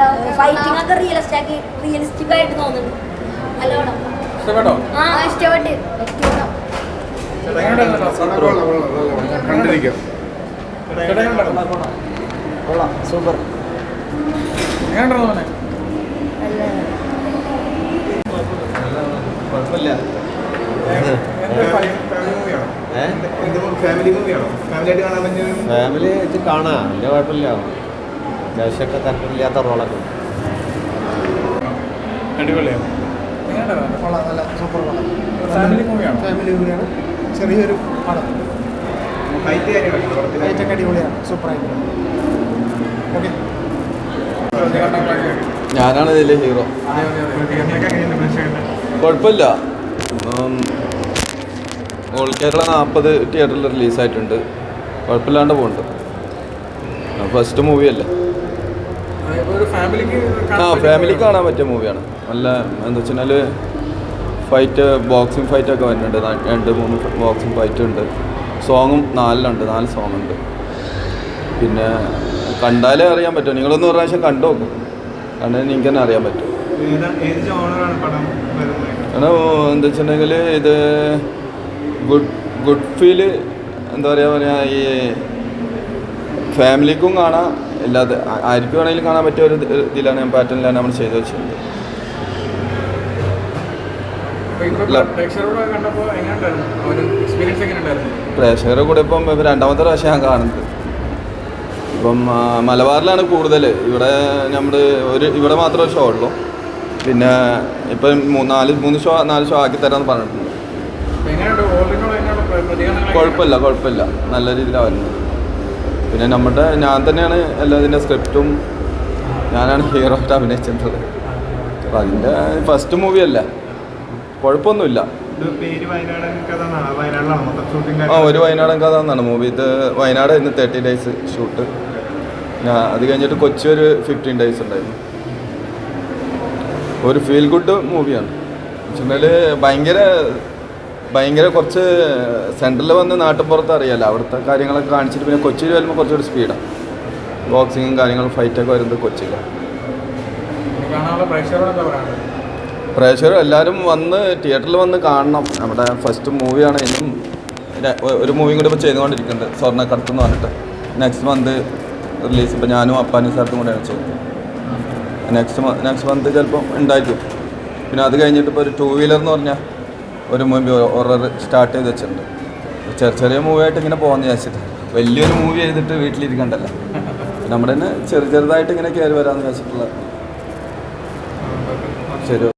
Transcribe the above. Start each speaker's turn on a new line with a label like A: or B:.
A: Fighting ഒക്കെ realistic ആയിട്ട് തോന്നുന്നുണ്ട്. നല്ല പടം.
B: ഇഷ്ടപ്പെട്ടോ?
A: ആ ഇഷ്ടപ്പെട്ട്.
C: കണ്ടിരിക്കാം.
B: സൂപ്പർ. എങ്ങനെയുണ്ടോ മോനെ?
D: കുഴപ്പമില്ല. ഫാമിലി ആയിട്ട് കാണാം, വലിയ കുഴപ്പമില്ല. അത്യാവശ്യമൊക്കെ തരത്തില്ലാത്ത റോളൊക്കെ
B: അടിപൊളിയാണ്. ഫാമിലി മൂവിയാണ്.
E: ചെറിയൊരു പടം. ഫൈറ്റൊക്കെ അടിപൊളിയാണ്, സൂപ്പറായിട്ട്. ഓക്കെ,
F: ഞാനാണ് ഇതിലെ ഹീറോ. കുഴപ്പമില്ല. ഓൾ കേരള 40 തിയേറ്ററിൽ റിലീസായിട്ടുണ്ട്. കുഴപ്പമില്ലാണ്ട് പോകുന്നുണ്ട്. ഫസ്റ്റ് മൂവിയല്ലേ. ഫാമിലിക്ക് കാണാൻ പറ്റിയ മൂവിയാണ്. നല്ല എന്താ വെച്ചാൽ ഫൈറ്റ്, ബോക്സിങ് ഫൈറ്റൊക്കെ വരുന്നുണ്ട്. 2-3 ബോക്സിങ് ഫൈറ്റ് ഉണ്ട്. സോങ്ങും 4 സോങ് ഉണ്ട്. പിന്നെ കണ്ടാലേ അറിയാൻ പറ്റും. നിങ്ങളൊന്ന് ഒരു പ്രാവശ്യം കണ്ടു നോക്കും. കണ്ടാൽ നിങ്ങൾക്ക് തന്നെ അറിയാൻ പറ്റും. കാരണം എന്താ വെച്ചിട്ടുണ്ടെങ്കിൽ ഇത് ഗുഡ് ഫീല്, എന്താ പറയുക, ഈ ഫാമിലിക്കും കാണാം, അല്ലാതെ ആർക്കും വേണമെങ്കിലും കാണാൻ പറ്റിയ ഒരു ഇതിലാണ്, പാറ്റേണിലാണ് നമ്മൾ ചെയ്തു വെച്ചിട്ടുണ്ട്. പ്രേക്ഷകരുടെ കൂടെ ഇപ്പം രണ്ടാമത്തെ പ്രാവശ്യം ഞാൻ കാണുന്നത്. ഇപ്പം മലബാറിലാണ് കൂടുതൽ. ഇവിടെ നമ്മൾ ഇവിടെ മാത്രമേ ഷോ ഉള്ളൂ. പിന്നെ ഇപ്പം 4 ഷോ ആക്കി തരാമെന്ന് പറഞ്ഞിട്ടുണ്ട്. കുഴപ്പമില്ല, നല്ല രീതിയിലാണ് വരുന്നത്. പിന്നെ ഞാൻ തന്നെയാണ് എല്ലാതിൻ്റെ സ്ക്രിപ്റ്റും, ഞാനാണ് ഹീറോ ആയിട്ട് അഭിനയിച്ചിട്ടുള്ളത്. അപ്പം അതിൻ്റെ ഫസ്റ്റ് മൂവിയല്ല, കുഴപ്പമൊന്നുമില്ല. ഒരു വയനാടൻ കഥ എന്നാണ് മൂവി. ഇത് വയനാട് ഇന്ന് 30 ഡേയ്സ് ഷൂട്ട്. അത് കഴിഞ്ഞിട്ട് കൊച്ചി ഒരു 15 ഡേയ്സ് ഉണ്ടായിരുന്നു. ഒരു ഫീൽ ഗുഡ് മൂവിയാണ്. വെച്ചാൽ ഭയങ്കര കുറച്ച് സെൻട്രലിൽ വന്ന് നാട്ടിൻപുറത്ത് അറിയാമല്ലോ, അവിടുത്തെ കാര്യങ്ങളൊക്കെ കാണിച്ചിട്ട് പിന്നെ കൊച്ചിയിൽ വരുമ്പോൾ കുറച്ചുകൂടി സ്പീഡാണ്. ബോക്സിങ്ങും കാര്യങ്ങളും ഫൈറ്റൊക്കെ വരുന്നത് കൊച്ചിയിലാണ്. പ്രേക്ഷകർ എല്ലാവരും തിയേറ്ററിൽ വന്ന് കാണണം. നമ്മുടെ ഫസ്റ്റ് മൂവിയാണ്. ഇനിയും ഒരു മൂവിയും കൂടി ഇപ്പോൾ ചെയ്തുകൊണ്ടിരിക്കുന്നുണ്ട്, സ്വർണ്ണക്കടത്ത് എന്ന് പറഞ്ഞിട്ട്. Next month release. ഇപ്പോൾ ഞാനും അപ്പാനും സാർത്തും കൂടെയാണ് ചെയ്തത്. നെക്സ്റ്റ് മന്ത് ചിലപ്പോൾ ഉണ്ടായിരിക്കും. പിന്നെ അത് കഴിഞ്ഞിട്ട് ഇപ്പോൾ ഒരു 2 വീലർ എന്ന് പറഞ്ഞാൽ ഒരു മൂവി ഹൊറർ സ്റ്റാർട്ട് ചെയ്ത് വെച്ചിട്ടുണ്ട്. ചെറിയ മൂവിയായിട്ട് ഇങ്ങനെ പോകാമെന്ന് വിചാരിച്ചിട്ട്. വലിയൊരു മൂവി ചെയ്തിട്ട് വീട്ടിലിരിക്കണ്ടല്ലോ, നമ്മുടെ തന്നെ ചെറുതായിട്ട് ഇങ്ങനെ കയറി വരാമെന്ന് വിചാരിച്ചിട്ടുള്ള. ശരി.